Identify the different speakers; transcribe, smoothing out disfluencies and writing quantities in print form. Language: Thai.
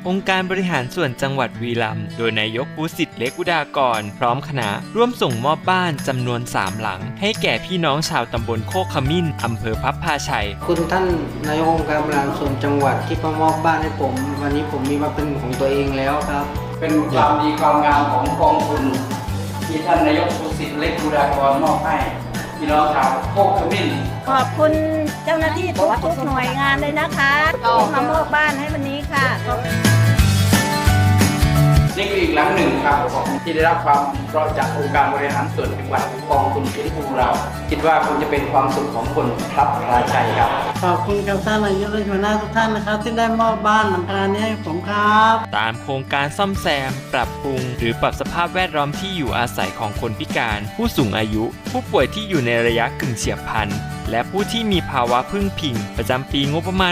Speaker 1: องค์การบริหารส่วนจังหวัดบุรีรัมย์โดยนายกภูสิทธิ์เล็กอุดากรพร้อมคณะร่วมส่งมอบบ้านจำนวน3หลังให้แก่พี่น้องชาวตำบลโคกขมิ้นอำเภอพับพาชัย
Speaker 2: คุณท่านนายกองค์การบริหารส่วนจังหวัดที่มามอบบ้านให้ผมวันนี้ผมมีมาเป็นของตัวเองแล้วครับ
Speaker 3: เป็นความดีความงามของกองทุนที่ท่านนายกภูสิทธิ์เล็กอุดากรมอบให้พี่น้องชาวโคกขมิ้น
Speaker 4: ขอบคุณเจ้าหน้าที่ทุกหน่วยงานเลยนะคะที่มามอบบ้านให้วันนี้ค่ะ
Speaker 3: นี่คืออีกหลังหนึ่งครับที่ได้รับความเพราะจากองค์การบริหารส่วนจังหวัดกองทุนฟื้นฟูเราคิดว่าคงจะเป็นความสุขของคนพลับพลาชัยครับ
Speaker 2: ขอบคุณกับท่านนายกและหัวหน้าทุกท่านนะครับที่ได้มอบบ้านหลังคานี้ให้ผมครับ
Speaker 1: ตามโครงการซ่อมแซม ปรับปรุง หรือปรับสภาพแวดล้อมที่อยู่อาศัยของคนพิการ ผู้สูงอายุ ผู้ป่วยที่อยู่ในระยะกึ่งเฉียบพลันและผู้ที่มีภาวะพึ่งพิงประจำปีงบประมาณ